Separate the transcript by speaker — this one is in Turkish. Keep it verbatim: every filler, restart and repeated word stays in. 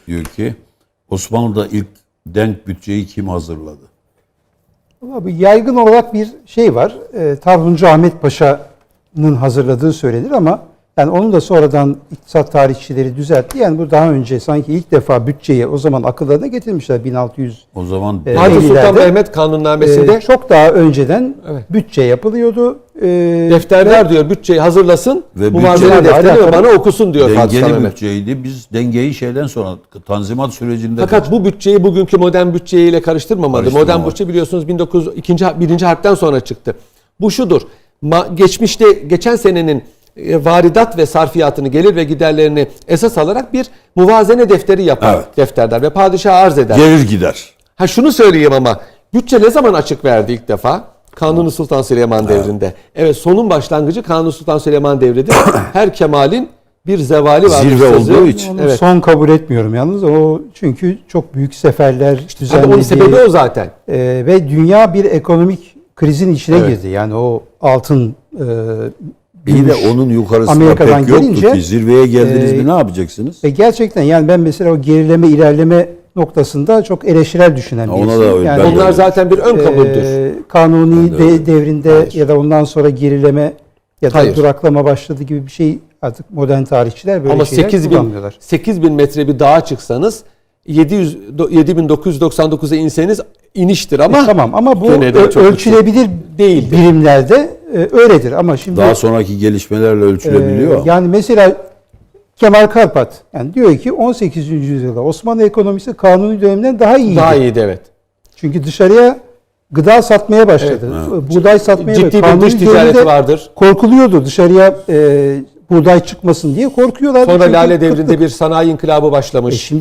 Speaker 1: diyor ki Osmanlı'da ilk denk bütçeyi kim hazırladı?
Speaker 2: Abi yaygın olarak bir şey var. E, Tarhuncu Ahmet Paşa'nın hazırladığı söylenir ama yani onun da sonradan iktisat tarihçileri düzeltti. Yani bu daha önce sanki ilk defa bütçeyi o zaman akıllarına getirmişler bin altı yüz.
Speaker 1: O zaman
Speaker 2: E,
Speaker 3: Fatih Sultan
Speaker 2: ellilerde.
Speaker 3: Mehmet kanunnamesinde
Speaker 2: E, çok daha önceden
Speaker 3: Evet.
Speaker 2: bütçe yapılıyordu. E,
Speaker 3: defterler
Speaker 2: ve-
Speaker 3: diyor bütçeyi hazırlasın.
Speaker 1: Ve
Speaker 3: bu malzeme
Speaker 1: bütçeyle
Speaker 3: defterini
Speaker 2: alakalı
Speaker 3: bana okusun diyor Fatih Sultan
Speaker 1: dengeli
Speaker 3: Mehmet.
Speaker 1: bütçeydi. Biz dengeyi şeyden sonra Tanzimat sürecinde
Speaker 3: Fakat bu bütçeyi bugünkü modern bütçeyle karıştırmamalı.
Speaker 1: Karıştırmamalı.
Speaker 3: Modern bütçe biliyorsunuz bin dokuz yüz ikinci birinci harpten sonra çıktı. Bu şudur. Ma- geçmişte geçen senenin e, varidat ve sarfiyatını, gelir ve giderlerini esas alarak bir muvazene defteri yapar
Speaker 1: Evet.
Speaker 3: defterler ve padişaha arz eder.
Speaker 1: gelir gider.
Speaker 3: Ha şunu söyleyeyim ama bütçe ne zaman açık verdi ilk defa? Kanuni Sultan Süleyman devrinde. Evet, sonun başlangıcı Kanuni Sultan Süleyman devridir. Her kemalin bir zevali var.
Speaker 1: Zirve olduğu için.
Speaker 2: Onu
Speaker 3: Evet.
Speaker 2: son kabul etmiyorum yalnız. O çünkü çok büyük seferler
Speaker 3: Tabii
Speaker 2: düzenlediği
Speaker 3: onun sebebi o zaten.
Speaker 2: e, ve dünya bir ekonomik krizin içine
Speaker 3: Evet.
Speaker 2: girdi. Yani o altın e,
Speaker 1: İyi de
Speaker 2: gümüş
Speaker 1: onun yukarısında
Speaker 2: Amerika'dan
Speaker 1: pek yoktu
Speaker 2: gelince,
Speaker 1: ki. Zirveye geldiniz
Speaker 2: e,
Speaker 1: mi ne yapacaksınız?
Speaker 2: ve gerçekten yani ben mesela o gerileme ilerleme noktasında çok eleştirel düşünen
Speaker 1: Ha,
Speaker 2: bir
Speaker 1: ona
Speaker 2: insanım.
Speaker 1: da öyle.
Speaker 2: Yani,
Speaker 1: Ben de
Speaker 3: Onlar
Speaker 1: öyle.
Speaker 3: zaten bir ön kabuldür.
Speaker 2: e, kanuni
Speaker 1: Ben de
Speaker 2: de-
Speaker 1: öyle.
Speaker 2: devrinde
Speaker 3: Hayır.
Speaker 2: ya da ondan sonra gerileme ya da
Speaker 3: Hayır.
Speaker 2: duraklama başladı gibi bir şey artık modern tarihçiler böyle
Speaker 3: Ama
Speaker 2: şeyler
Speaker 3: sekiz bin,
Speaker 2: kullanmıyorlar.
Speaker 3: sekiz bin metre bir dağa çıksanız yedi yüz yedi bin dokuz yüz doksan dokuza inseniz iniştir ama
Speaker 2: E, tamam ama bu
Speaker 3: gene de
Speaker 2: ö-
Speaker 3: çok
Speaker 2: ölçülebilir
Speaker 3: değildir.
Speaker 2: birimlerde e, öyledir ama şimdi
Speaker 1: Daha sonraki gelişmelerle ölçülebiliyor.
Speaker 2: e, yani mesela Kemal Karpat yani diyor ki on sekizinci yüzyılda Osmanlı ekonomisi Kanuni döneminden daha iyiydi.
Speaker 3: Daha iyiydi evet.
Speaker 2: Çünkü dışarıya gıda satmaya başladı. Buğday satmaya
Speaker 3: Ciddi
Speaker 2: başladı.
Speaker 3: bir
Speaker 2: Kanuni
Speaker 3: dış ticareti
Speaker 2: döneminde
Speaker 3: vardır.
Speaker 2: korkuluyordu dışarıya e, buğday çıkmasın diye korkuyorlardı.
Speaker 3: Sonra
Speaker 2: Çünkü
Speaker 3: Lale devrinde
Speaker 2: kıtlık.
Speaker 3: bir sanayi inkılabı başlamış.
Speaker 2: E şimdi